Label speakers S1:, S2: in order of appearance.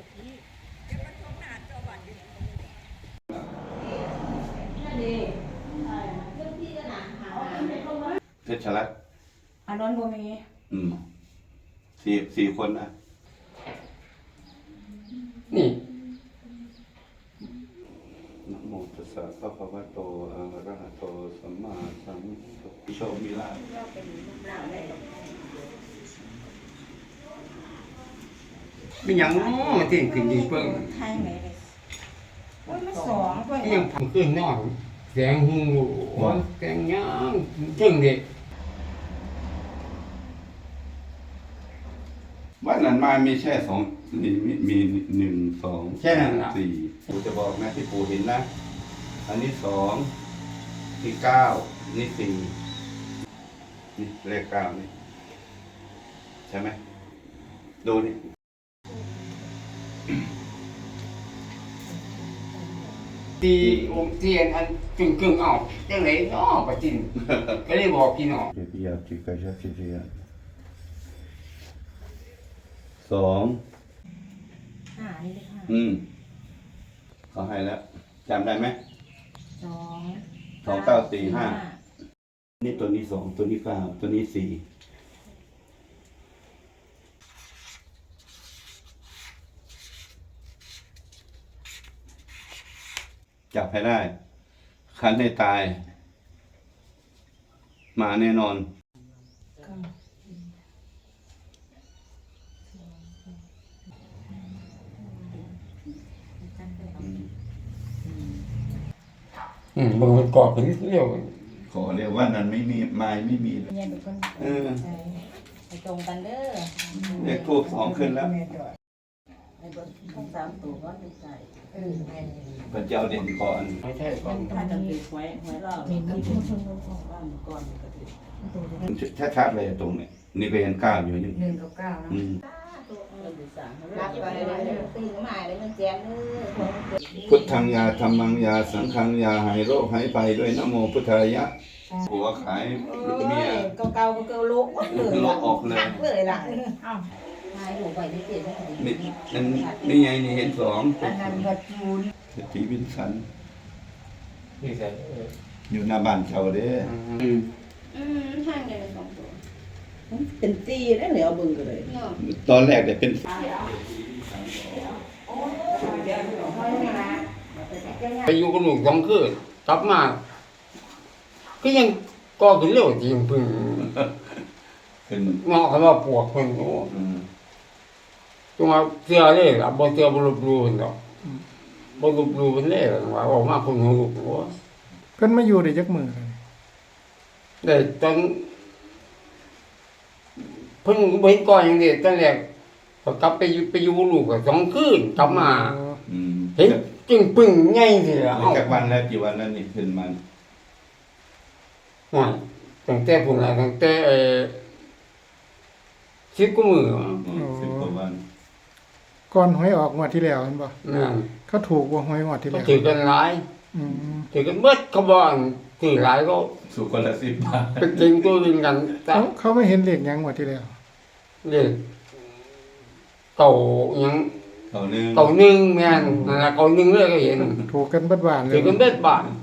S1: เพชรรัตน์
S2: อันนั้นบ่มี
S1: สี่คนนะ
S3: นี่
S1: นะโมตัสสะภะคะวะโตอะระหะโตสัมมาสัมพุทธัสสะโชคมีลาภ
S3: เป็นอย่างน้อเที่ยงคืนดีเพิ่ง
S2: ไทยไหมเลยโอ้ยมันสองเพิ่น
S3: ยังทำขึ้นนอกแสงหูแสงย่างถึงเด็ก
S1: วันนั้นมามีแค่สองมีหนึ่งสองสี่ปู่จะบอกนะที่ปู่เห็นนะอันนี้สองนี่เก้านี่สี่นี่เลขเก้านี่ใช่ไหมดูนี่
S3: ตีองค์เทียนอันกึ่งออกจังไหนน้อปะจินก็เลยบอกพี่น้อง
S1: เจียจิกาชาเจียสอง
S2: นี่เลยค่ะ
S1: เขาให้แล้วจำได้ไหม
S2: สอง
S1: 2945นี่ตัวนี้สองตัวนี้เก้าตัวนี้สี่จับให้ได้คันให้ตายมาแน่นอน
S3: บางคนกอดเป็นเรียว
S1: ขอเรียกว่านั้นไม่มีไม่มีเลย
S2: เนี่ยดูคนไปตรงกันเด้อ
S1: เลขทูบสองขึ้นแล้ว
S2: ในบนข้างสามตัวก็ไม่ใส่
S1: พระเจ้าเด่นก่อน
S3: ไม่ใช่ก่อน
S2: ถ้าจะติดไว้เรามีน้ำพุชนลงของบ้านก่อนก็ติด
S1: ชัดๆเลยตรงนี้นี่ก็เห็นเก้าอยู่นี่
S2: 1 กับ 9นะรับไปเลยตื่นมาเลยมันแจ้งเลย
S1: พุทธังยาธัมมังยาสังฆังยาหายโรคหายไปด้วยนะโมพุทธายะผัวขายเมีย
S2: เก่าโลกเลย
S1: โลกออกเลย
S2: ล่ะอ้าวหายหัวไปได้เปลี่ยน
S1: นี่ไงนี่เห็นสอง
S2: อันนั้นก็จูน
S1: สีวินสัน
S3: นี่ใส่
S1: อยู่หน้าบ้านเช่าเด้
S2: ห้างเลยสองตัวเป็นตีได้เหลือบึงกันเลย
S1: ตอนแรกแต่เป็น
S3: ไปอยู่กับลูก2 คืนกลับมาก็ยังก่อขึ้นเร็วจริงพึ่งงอกเขาว่าปวกเพิ่นโอ้ตัวมาเสื้อเลยล่ะบ่เสื้อบ่ลบลู่ดอกบ่ลบลู่เพิ่นเลยว่าออกมาคนหูลูกโอ้
S4: เพิ่นมาอยู่ได้จักมื้อ
S3: ได้ตอนเพิ่งบ่เห็นก่อนอย่างนี้ตอนแรกก็กลับไปอยู่ลูกก็2 คืนกลับมาเห็นจึงปึ้งใหญ่สิล่ะ
S1: จากวันแล้วกี่วันแล้วนี่ขึ้นมา
S3: ตั้งแต่พุ่นน่ะตั้งแต่10 กว่ามื้อ
S1: 10 กว่าวัน
S4: ก่อนหวยออกงวดที่แล้วแม่นบ่เขาถูกบ่หวยงวดที่แล้ว
S3: ถือกันหลายถือกันเบิดเขาบ่ถือหลายก็
S1: สุคนละ10 บาท
S3: ไปกินตัวนึงกัน
S4: เขาไม่เห็นเลขหยังงวดที่แล้ว
S3: เลขเก่าหยัง
S1: เก่านึง
S3: แม่นนั่นล่ะเก่านึงเลยก็เห็น
S4: ถูกกันเบิดบ้านเลย
S3: ถือกันเบิดบ้าน